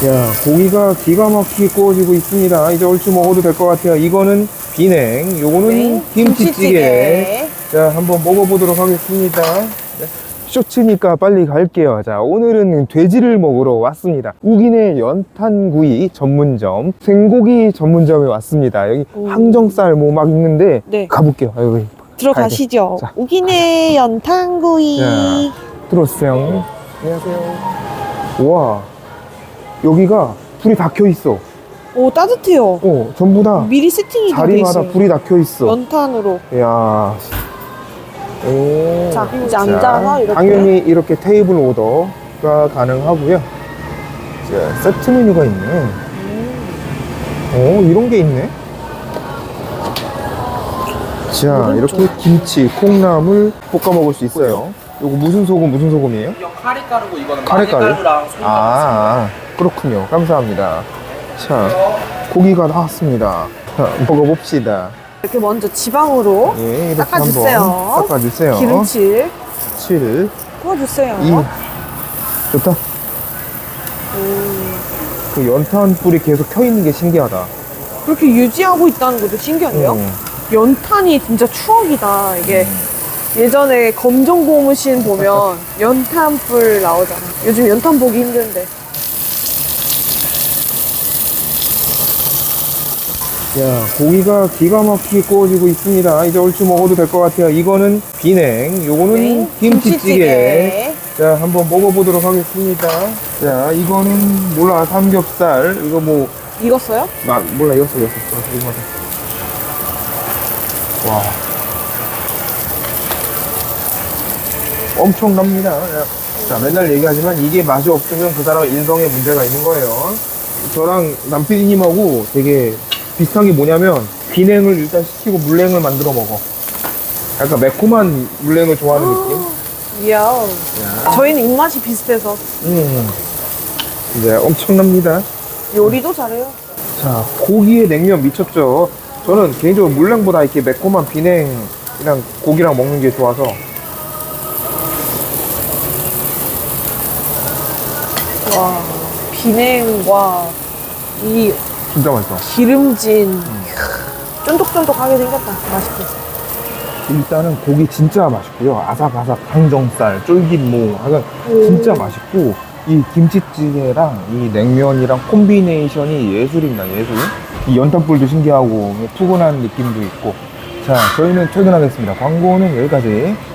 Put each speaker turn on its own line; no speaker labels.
야, 고기가 기가 막히게 구워지고 있습니다. 이제 얼추 먹어도 될 것 같아요. 이거는 비냉, 요거는
네,
김치찌개. 자, 한번 먹어보도록 하겠습니다. 네. 쇼츠니까 빨리 갈게요. 자, 오늘은 돼지를 먹으러 왔습니다. 우기네 연탄구이 전문점, 생고기 전문점에 왔습니다. 여기 항정살 뭐 막 있는데
네.
가볼게요. 여기
들어가시죠.
자.
우기네 연탄구이.
자, 들어오세요. 안녕하세요. 우와, 여기가 불이 다 켜 있어.
오, 따뜻해요.
전부 다
미리 세팅이 돼
자리마다
있어요.
불이 다 켜 있어.
연탄으로.
이야. 오.
자, 이제 앉아서 이렇게.
당연히 이렇게 테이블 오더가 가능하고요. 자, 세트 메뉴가 있네. 이런 게 있네. 자, 이렇게 김치, 콩나물 볶아 먹을 수 있어요. 요거 무슨 소금, 무슨 소금이에요?
이건 카레가루고 이거는
카레가루?
마늘가루랑 소금.
그렇군요. 감사합니다. 자, 고기가 나왔습니다. 자, 먹어봅시다.
이렇게 먼저 지방으로
예, 이렇게
닦아주세요.
한번 닦아주세요.
기름칠
7,
부어주세요.
2. 좋다. 그 연탄 불이 계속 켜 있는 게 신기하다.
그렇게 유지하고 있다는 것도 신기한데요? 연탄이 진짜 추억이다. 이게 예전에 검정 고무신 보면 연탄불 나오잖아. 요즘 연탄 보기 힘든데.
야, 고기가 기가 막히게 구워지고 있습니다. 이제 얼추 먹어도 될 것 같아요. 이거는 비냉, 요거는
네,
김치찌개. 자, 한번 먹어보도록 하겠습니다. 자, 이거는 몰라, 삼겹살. 이거 뭐,
익었어요?
몰라, 이거 이거. 와. 엄청납니다. 자, 맨날 얘기하지만 이게 맛이 없으면 그 사람 인성에 문제가 있는 거예요. 저랑 남PD님하고 되게 비슷한 게 뭐냐면 비냉을 일단 시키고 물냉을 만들어 먹어. 약간 매콤한 물냉을 좋아하는 느낌?
이야.
야.
저희는 입맛이 비슷해서
이제 엄청납니다.
요리도 잘해요.
자, 고기에 냉면 미쳤죠. 저는 개인적으로 물냉보다 이렇게 매콤한 비냉이랑 고기랑 먹는 게 좋아서.
와, 비냉과 이
진짜 맛있어.
기름진 쫀득쫀득하게 생겼다. 맛있게.
일단은 고기 진짜 맛있고요. 아삭아삭 항정살, 쫄깃무, 약간 진짜 맛있고, 이 김치찌개랑 이 냉면이랑 콤비네이션이 예술입니다, 예술. 이 연탄불도 신기하고 푸근한 느낌도 있고. 자, 저희는 퇴근하겠습니다. 광고는 여기까지.